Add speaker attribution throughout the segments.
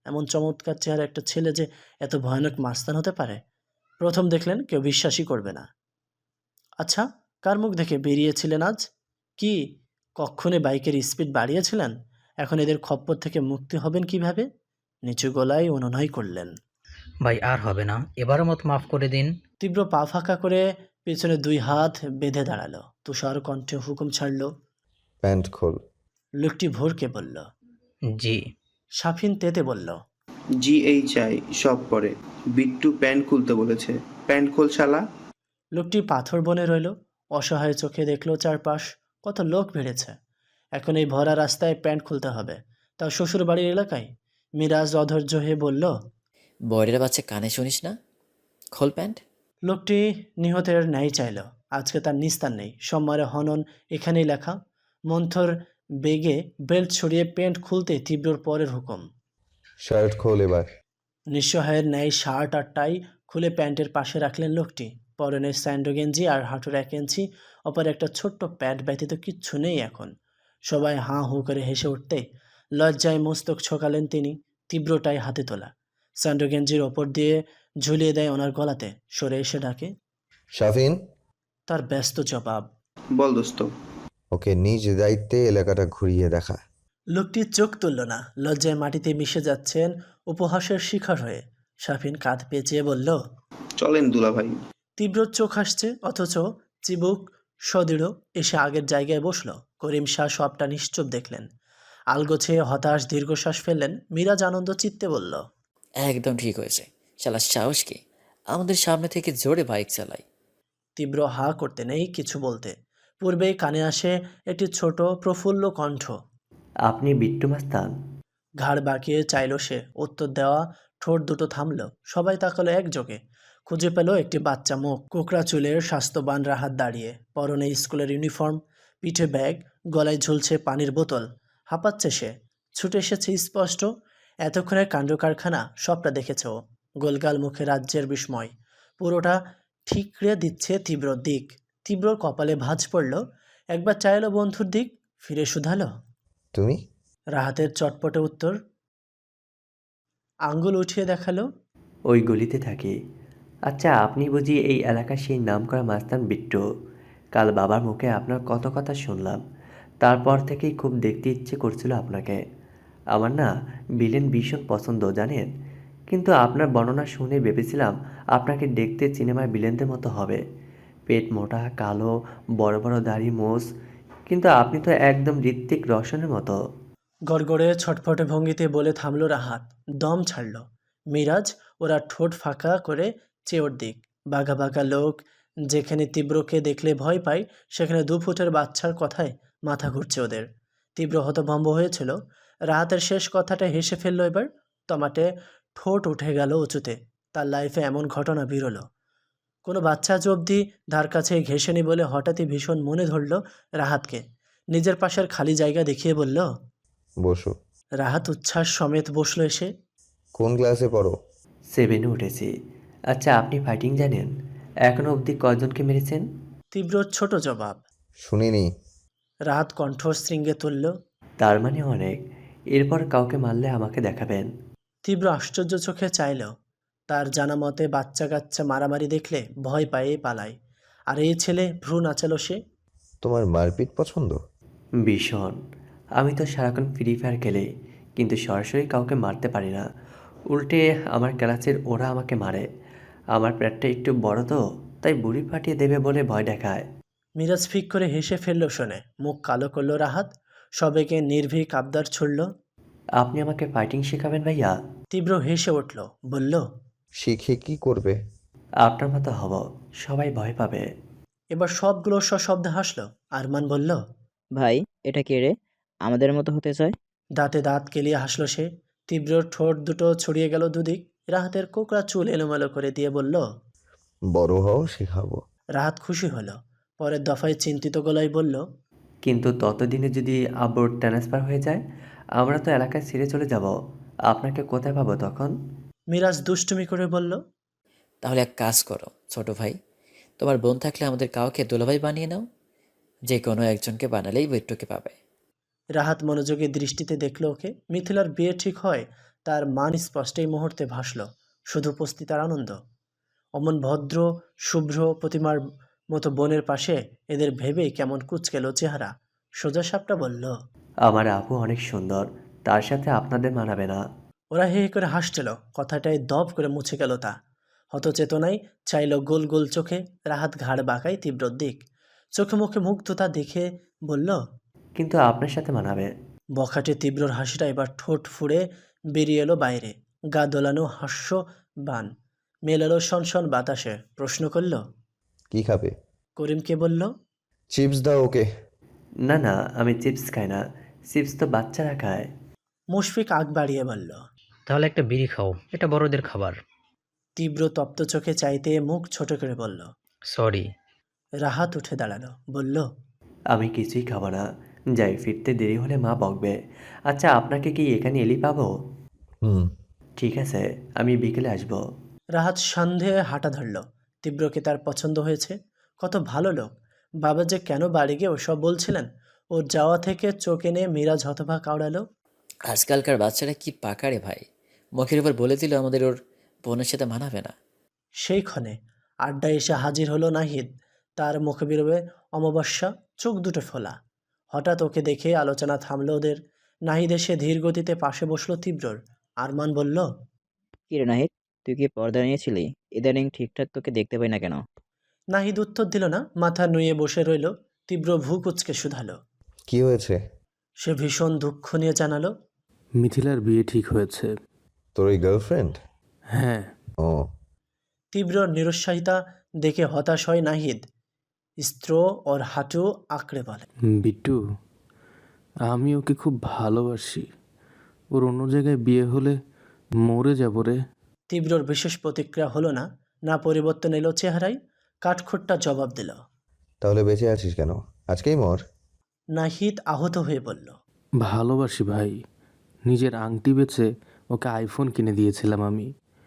Speaker 1: এমন চমৎকার চেহারা একটা ছেলে যে এত ভয়ানক মাস্তান হতে পারে। প্রথম দেখলেন কেউ বিশ্বাসই করবে না। আচ্ছা, কার মুখ দেখে বেরিয়েছিলেন আজ? কি কক্ষণে বাইকের স্পিড বাড়িয়েছিলেন? এখন এদের খপ্পর থেকে মুক্তি হবেন কিভাবে? নিচু গলায় অনুনয় করলেন।
Speaker 2: ভাই আর হবে না, এবারের মতো মাফ করে দিন।
Speaker 1: তীব্র পা ফাঁকা করে পেছনে 2 হাত বেঁধে দাঁড়ালো। তুষার কণ্ঠে হুকুম ছাড়ল।
Speaker 3: প্যান্ট খোল।
Speaker 1: লোকটি ভোরকে বলল।
Speaker 2: জি।
Speaker 1: সাফিন তেতে বলল।
Speaker 4: GHI সব পরে। বিট্টু প্যান্ট খুলতে বলেছে। প্যান্ট খোল শালা।
Speaker 1: লোকটি পাথর বনে রইল। অসহায় চোখে দেখলো চারপাশ। কত লোক ভিড়েছে। এখন এই ভরা রাস্তায় প্যান্ট খুলতে হবে, তাও শ্বশুর বাড়ির এলাকায়। মিরাজ অধৈর্য হয়ে বলল।
Speaker 5: বয়রের বাচ্চা কানে শুনিস না? খোল প্যান্ট।
Speaker 1: লোকটি নিহতের ন্যায় চাইল। আজকে তার নিস্তার নেই। সোমবারে হনন এখানেই লেখা। মন্থর বেগে বেল্ট ছড়িয়ে প্যান্ট খুলতে তীব্রর পরের হুকুম।
Speaker 3: শার্ট খোল এবার।
Speaker 1: নিঃসহায়ের ন্যায় শার্ট আর টাই খুলে প্যান্টের পাশে রাখলেন লোকটি। পরনে স্যান্ডো গেঞ্জি আর হাঁটুর 1 ইঞ্চি, অপর একটা ছোট্ট প্যান্ট ব্যতীত কিচ্ছু নেই এখন। সবাই হাঁ হু করে হেসে উঠতে লজ্জায় মস্তক ছোকালেন তিনি। তীব্রটাই হাতে তোলা স্যান্ডো গেঞ্জির ওপর দিয়ে ঝুলিয়ে দেয় ওনার গলাতে। সরে এসে ডাকে।
Speaker 3: শাফিন,
Speaker 1: তার ব্যস্ত জবাব।
Speaker 4: বল দোস্ত।
Speaker 3: ওকে নিজ দায়িত্বে এলাকাটা ঘুরিয়ে দেখা।
Speaker 1: লোকটি চোখ তুলল না। লজ্জায় মাটিতে মিশে যাচ্ছেন উপহাসের শিকার হয়ে। শাফিন কাঁধ পেঁচিয়ে বলল।
Speaker 4: চলেন দুলা ভাই।
Speaker 1: তীব্র চোখ আসছে, অথচ চিবুক সদৃঢ়। এসে আগের জায়গায় বসল। করিম শাহ সবটা নিশ্চুপ দেখলেন। আলগোছে হতাশ দীর্ঘশ্বাস ফেললেন। মিরাজ আনন্দ চিত্তে বলল।
Speaker 5: একদম ঠিক হয়েছে। শালা সাহস কি আমাদের সামনে থেকে জোরে বাইক চালাই।
Speaker 1: তীব্র হা করতে নেই কিছু বলতে। পূর্বেই কানে আসে একটি ছোট প্রফুল্ল কণ্ঠ।
Speaker 6: আপনি বিট্টু মাস্তান?
Speaker 1: ঘাড় বাঁকিয়ে চাইল সে উত্তর দেওয়া। ঠোঁট দুটো থামল। সবাই তাকালো একযোগে। খুঁজে পেল একটি বাচ্চা মুখ। কোকড়া চুলের স্বাস্থ্যবান রাহাত দাঁড়িয়ে। পরনে স্কুলের ইউনিফর্ম, পিঠে ব্যাগ, গলায় ঝুলছে পানির বোতল। হাঁপাচ্ছে সে। ছুটে এসেছে স্পষ্ট। এতক্ষণের কাণ্ড কারখানা সবটা দেখেছে ও। গোলগাল মুখে রাজ্যের বিস্ময়। পুরোটা ঠিকরে দিচ্ছে তীব্রর দিক। তীব্রর কপালে ভাঁজ পড়ল। একবার চাইলো বন্ধুর দিক, ফিরে শুধালো।
Speaker 3: তুমি?
Speaker 1: রাহাতের চটপটে উত্তর। আঙ্গুল উঠিয়ে দেখালো।
Speaker 6: ওই গলিতে থাকি। আচ্ছা, আপনি বুঝি এই এলাকার সেই নামকরা মাস্তান বিট্টু? কাল বাবার মুখে আপনার কত কথা শুনলাম। তারপর থেকেই খুব দেখতে ইচ্ছে করছিল আপনাকে। আমার না ভিলেন ভীষণ পছন্দ জানেন। কিন্তু আপনার বর্ণনা শুনে ভেবেছিলাম আপনাকে দেখতে সিনেমার ভিলেনদের মতো হবে। পেট মোটা, কালো, বড় বড় দাড়ি, মোষ। কিন্তু আপনি তো একদম ঋত্বিক রোশনের মতো।
Speaker 1: গড়গড়ে ছটফটে ভঙ্গিতে বলে থামল রাহাত। দম ছাড়ল। মিরাজ ওরা ঠোঁট ফাঁকা করে চেয়ে ওর দিক। বাঘা বাঘা লোক। যেখানে তীব্রকে দেখলে ভয় পায়, সেখানে 2 ফুটের বাচ্চার কথায় মাথা ঘুরছে ওদের। তীব্র হতভম্ব হয়েছিল। রাহাতের শেষ কথাটা হেসে ফেলল এবার। টমাটে ঠোঁট উঠে গেল উঁচুতে। তার লাইফে এমন ঘটনা বিরল। কোনো বাচ্চা আজ অবধি ধার কাছে ঘেঁষেনি বলে হঠাৎই ভীষণ মনে ধরল রাহাতকে। নিজের পাশের খালি জায়গা দেখিয়ে বলল।
Speaker 3: বসো।
Speaker 1: রাহাত উচ্ছ্বাস সমেত বসল এসে।
Speaker 3: কোন ক্লাসে পড়ো?
Speaker 6: 7-এ উঠেছি। আচ্ছা, আপনি ফাইটিং জানেন? এখনো অবধি কয়জনকে মেরেছেন?
Speaker 1: তীব্র ছোট জবাব।
Speaker 3: শুনিনি।
Speaker 1: রাহাত কণ্ঠ শৃঙ্গে তুলল।
Speaker 6: তার মানে অনেক। এরপর কাউকে মারলে আমাকে দেখাবেন।
Speaker 1: তীব্র আশ্চর্য চোখে চাইল। তার জানা মতে বাচ্চা কাচ্চা মারামারি দেখলে ভয় পায়ে পালায়। আর এই ছেলে ভ্রু নাচালো সে।
Speaker 3: তোমার মারপিট পছন্দ?
Speaker 6: ভীষণ। আমি তো সারাক্ষণ ফ্রি ফায়ার খেলি, কিন্তু সরাসরি কাউকে মারতে পারি না। উল্টে আমার ক্লাসের ওরা আমাকে মারে। আমার পেটটা একটু বড় তো, তাই বুড়ি ফাটিয়ে দেবে বলে ভয় দেখায়।
Speaker 1: মিরাজ ফিক করে হেসে ফেলল শুনে। মুখ কালো করল রাহাত। সবাইকে নির্ভীক আবদার ছুড়ল।
Speaker 6: আপনি আমাকে ফাইটিং শেখাবেন ভাইয়া?
Speaker 1: তীব্র হেসে উঠল। বলল।
Speaker 3: শিখে কি করবে?
Speaker 6: আপনার মতো হব, সবাই ভয় পাবে।
Speaker 1: এবার সবগুলো সশব্দে হাসল। আরমান বলল।
Speaker 7: ভাই, এটা কে রে? আমাদের মতো হতে চায়?
Speaker 1: দাঁতে দাঁত কেলিয়ে হাসল সে। তীব্রর ঠোঁট দুটো ছড়িয়ে গেল দুদিক। রাহাতের কোকড়া চুল এলোমেলো করে দিয়ে বলল।
Speaker 3: বড় হও, শেখাবো।
Speaker 1: রাহাত খুশি হলো। পরের দফায় চিন্তিত গলায় বলল।
Speaker 6: কিন্তু ততদিনে যদি আব্বুর ট্রান্সফার হয়ে যায়, আমরা তো এলাকায় ছেড়ে চলে যাব। আপনাকে কোথায় পাবো তখন?
Speaker 1: মিরাজ দুষ্টুমি করে বলল।
Speaker 5: তাহলে এক কাজ করো ছোট ভাই, তোমার বোন থাকলে আমাদের কাউকে দুলাভাই বানিয়ে নাও। যে কোনো একজনকে বানালেই বৈঠকে পাবে।
Speaker 1: রাহাত মনোযোগী দৃষ্টিতে দেখল ওকে। মিথিলার বিয়ে ঠিক হয় তার মান স্পষ্ট এই মুহূর্তে ভাসল শুধু উপস্থিতার আনন্দ। অমন ভদ্র শুভ্র প্রতিমার মতো বোনের পাশে এদের ভেবেই কেমন কুঁচকেলো চেহারা। সোজা সাপটা বলল,
Speaker 6: আমার আপু অনেক সুন্দর, তার সাথে আপনাদের মানাবে না।
Speaker 1: ওরা হে হে করে হাসছিল। কথাটায় দপ করে মুছে গেল তা। হতচেতনায় চাইল গোল গোল চোখে। রাহাত ঘাড় বাঁকায় তীব্রর দিক, চোখে মুখে মুগ্ধতা দেখে বলল,
Speaker 6: কিন্তু আপনার সাথে মানাবে।
Speaker 1: বখাটে তীব্রর হাসিটা এবার ঠোঁট ফুঁড়ে বেরিয়ে এলো বাইরে। গা দোলানো হাস্য বান মেলালো সনসন বাতাসে। প্রশ্ন করল,
Speaker 3: কি খাবে?
Speaker 1: করিমকে বলল,
Speaker 3: চিপস দাও ওকে।
Speaker 6: না না, আমি চিপস খাই না, চিপস তো বাচ্চারা খায়।
Speaker 1: মুশফিক আগ বাড়িয়ে বলল।
Speaker 2: তাহলে একটা বিড়ি খাও, এটা বড়দের খাবার।
Speaker 1: তীব্র তপ্ত চোখে চাইতে মুখ ছোট করে বলল।
Speaker 2: সরি।
Speaker 1: রাহাত উঠে দাঁড়ালো, বলল,
Speaker 6: আমি কিছুই খাবো না, যাই, ফিরতে দেরি হলে মা বকবে। আচ্ছা, আপনাকে কি এখানে এলি পাবো?
Speaker 3: হুম।
Speaker 6: ঠিক আছে, আমি বিকেলে আসবো।
Speaker 1: রাহাত সন্দেহে হাঁটা ধরল। তীব্রকে তার পছন্দ হয়েছে। কত ভালো লোক। বাবা যে কেন বাড়ি গিয়ে ওসব বলছিলেন। ওর যাওয়া থেকে চোখ এনে মিরাজ হতবাক আওড়ালো।
Speaker 5: আজকালকার বাচ্চারা কি পাকারে ভাই, মুখের উপর বলে দিল আমাদের ওর বোনের সাথে মানাবে না।
Speaker 1: সেই ক্ষণে আড্ডায় এসে হাজির হলো নাহিদ। তার মুখে বেরোবে অমাবস্যা, চোখ দুটো ফোলা। হঠাৎ ওকে দেখে আলোচনা থামলো ওদের। নাহিদ এসে ধীর গতিতে পাশে বসলো তীব্রর। আরমান বলল,
Speaker 7: কি রে নাহিদ, তুই কি পর্দা নিয়েছিলি? ইদানিং ঠিকঠাক তোকে দেখতে পাই না কেন?
Speaker 1: নাহিদ উত্তর দিল না, মাথা নুয়ে বসে রইল। তীব্র ভ্রু কুঁচকে শুধালো।
Speaker 3: কি হয়েছে?
Speaker 1: সে ভীষণ দুঃখ নিয়ে জানালো,
Speaker 8: মিথিলার বিয়ে ঠিক হয়েছে।
Speaker 3: তোর ওই গার্লফ্রেন্ড?
Speaker 8: হ্যাঁ।
Speaker 3: ও।
Speaker 1: তীব্র নিরুৎসাহিতা দেখে হতাশ হয় নাহিদ। স্ত্র ওর হাঁটু আঁকড়ে বলে,
Speaker 8: বিট্টু, আমি ওকে খুব ভালোবাসি। ওর অন্য জায়গায় বিয়ে হলে মরে যাব রে।
Speaker 1: তীব্রর বিশেষ প্রতিক্রিয়া হলো না, না পরিবর্তন এলো চেহারায়। কাঠখোট্টা জবাব দিল।
Speaker 3: তাহলে বেঁচে আছিস কেন? আজকেই মর।
Speaker 1: নাহিদ আহত হয়ে বলল,
Speaker 8: ভালোবাসি ভাই। নিজের আংটি বেচে ওকে আইফোন কিনে দিয়েছিলাম আমি।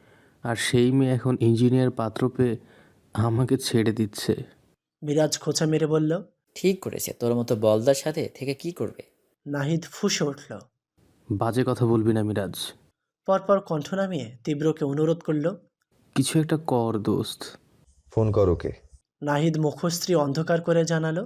Speaker 8: আর সেই মেয়ে এখন ইঞ্জিনিয়ার পাত্র পেয়ে আমাকে ছেড়ে দিচ্ছে।
Speaker 1: মিরাজ খোঁচা মেরে বলল।
Speaker 5: ঠিক করেছে, তোর মতো বলদার সাথে থেকে কি করবে?
Speaker 1: নাহিদ ফুঁসে উঠল।
Speaker 8: বাজে কথা বলবি না মিরাজ।
Speaker 1: পরপর কণ্ঠ নামিয়ে তীব্রকে অনুরোধ করল।
Speaker 8: কিছু একটা কর দোস্ত।
Speaker 3: ফোন কর ওকে।
Speaker 1: নাহিদ মুখশ্রী অন্ধকার করে জানালো,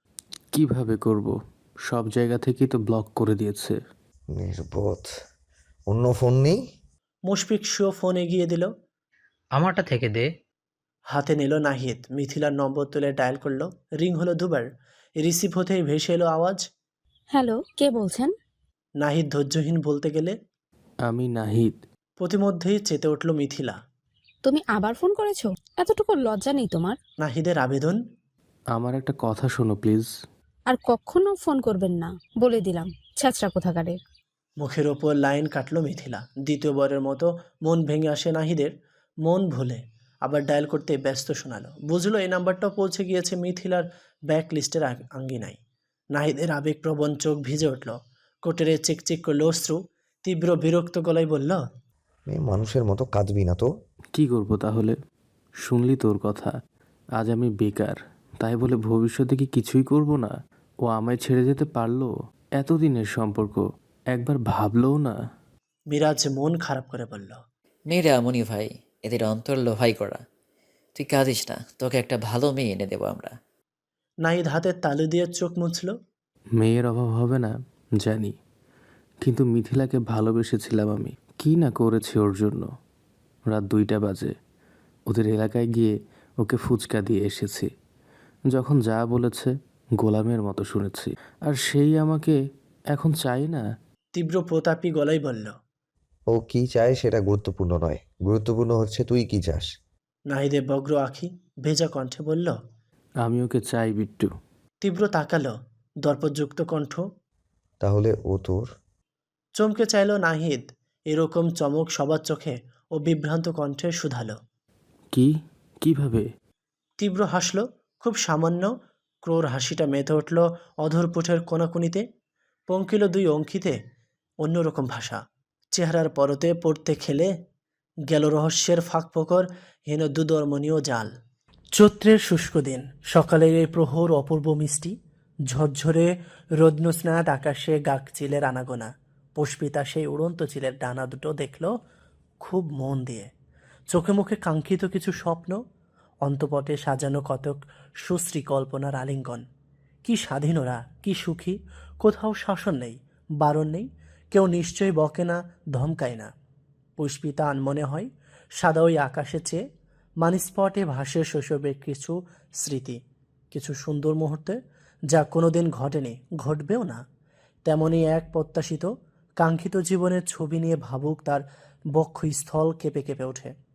Speaker 8: কিভাবে করব? সব জায়গা থেকেই তো ব্লক করে দিয়েছে।
Speaker 3: নির্বোধ। অন্য ফোন নেই?
Speaker 1: মুশফিক শুয়ে ফোন এগিয়ে দিল।
Speaker 2: আমারটা থেকে দে।
Speaker 1: হাতে নিল নাহিদ। মিথিলার নম্বর তুলে ডায়াল করলো। রিং হলো দুবার। রিসিভ হতেই ভেসে এলো আওয়াজ।
Speaker 9: হ্যালো, কে বলছেন?
Speaker 1: নাহিদ ধৈর্যহীন বলতে গেলে
Speaker 8: আমি নাহিদ।
Speaker 1: প্রতিমধ্যেই চেতে উঠল মিথিলা।
Speaker 9: তুমি আবার ফোন করেছো? এতটুকু লজ্জা নেই তোমার?
Speaker 1: নাহিদের আবেদন।
Speaker 8: আমার একটা কথা শোনো প্লিজ।
Speaker 9: আর কখনো ফোন করবেন না, বলে দিলাম, ছ্যাঁচড়া কোথাকারে।
Speaker 1: মুখের ওপর লাইন কাটলো মিথিলা। দ্বিতীয়বারের মতো মন ভেঙে আসে নাহিদের। মন ভুলে আবার ডায়াল করতে ব্যস্ত শোনালো। বুঝলো এই নাম্বারটাও পৌঁছে গিয়েছে মিথিলার ব্যাক লিস্টের আঙ্গিনায়। নাহিদের আবেগপ্রবণ চোখ ভিজে উঠল। কোটেরে চিকচিক করলো অশ্রু। তীব্র বিরক্ত গলায় বলল,
Speaker 3: মেয়ে মানুষের মতো কাঁদবি না তো।
Speaker 8: কি করব তাহলে? শুনলি তোর কথা। আজ আমি বেকার, তাই বলে ভবিষ্যতে কি কিছুই করব না? ও আমায় ছেড়ে যেতে পারলো? এতদিনের সম্পর্ক, একবার ভাবলও না।
Speaker 1: মিরাজ মন খারাপ করে বলল,
Speaker 5: মেয়েরা এমনই ভাই, এদের অন্তর লোহাই করা। তুই কাঁদিস না, তোকে একটা ভালো মেয়ে এনে দেবো আমরা।
Speaker 1: নাহিদ হাতের তালু দিয়ে চোখ মুছল।
Speaker 8: মেয়ের অভাব হবে না জানি, কিন্তু মিথিলাকে ভালোবেসেছিলাম আমি। কি না করেছি ওর জন্য। রাত 2টা বাজে ওদের এলাকায় গিয়ে ওকে ফুচকা দিয়ে এসেছি। যখন যা বলেছে গোলামের মতো শুনেছি। আর সেই আমাকে এখন চাই না।
Speaker 1: তীব্র প্রতাপী গলায় বলল।
Speaker 3: ও কি চায় সেটা গুরুত্বপূর্ণ নয়, গুরুত্বপূর্ণ হচ্ছে তুই কি চাস।
Speaker 1: নাহিদের বগ্র আঁখি ভেজা কণ্ঠে বলল।
Speaker 8: আমি ওকে চাই বিট্টু।
Speaker 1: তীব্র তাকালো। দর্পযুক্ত কণ্ঠ।
Speaker 3: তাহলে ও তোর?
Speaker 1: চমকে চাইল নাহিদ। এরকম চমক সবার চোখে। ও বিভ্রান্ত কণ্ঠে শুধালো।
Speaker 8: কি? কিভাবে?
Speaker 1: তীব্র হাসল, খুব সামান্য। ক্রোর হাসিটা মেতে উঠল অধরপুঠের কোনাকুনিতে। পঙ্কিল 2 অঙ্কিতে অন্যরকম ভাষা। চেহারার পরতে পড়তে খেলে গেল রহস্যের ফাঁকফোকর হীন দুদর্মনীয় জাল। চৈত্রের শুষ্ক দিন। সকালের এই প্রহর অপূর্ব মিষ্টি। ঝরঝরে রোদ্নস্নাত আকাশে গাকচিলের আনাগোনা। পুষ্পিতা সেই উড়ন্ত চিলের ডানা দুটো দেখল খুব মন দিয়ে। চোখে মুখে কাঙ্ক্ষিত কিছু স্বপ্ন, অন্তপটে সাজানো কতক সুশ্রী কল্পনার আলিঙ্গন। কি স্বাধীন ওরা, কি সুখী। কোথাও শাসন নেই, বারণ নেই, কেউ নিশ্চয়ই বকে না, ধমকায় না। পুষ্পিতা আনমনে হয় সাদা ওই আকাশে চেয়ে। মানিস্পটে ভাসে শৈশবের কিছু স্মৃতি, কিছু সুন্দর মুহূর্তে, যা কোনোদিন ঘটেনি, ঘটবেও না। তেমনই এক প্রত্যাশিত কাঙ্ক্ষিত জীবনের ছবি নিয়ে ভাবুক তার বক্ষস্থল কেঁপে কেঁপে ওঠে।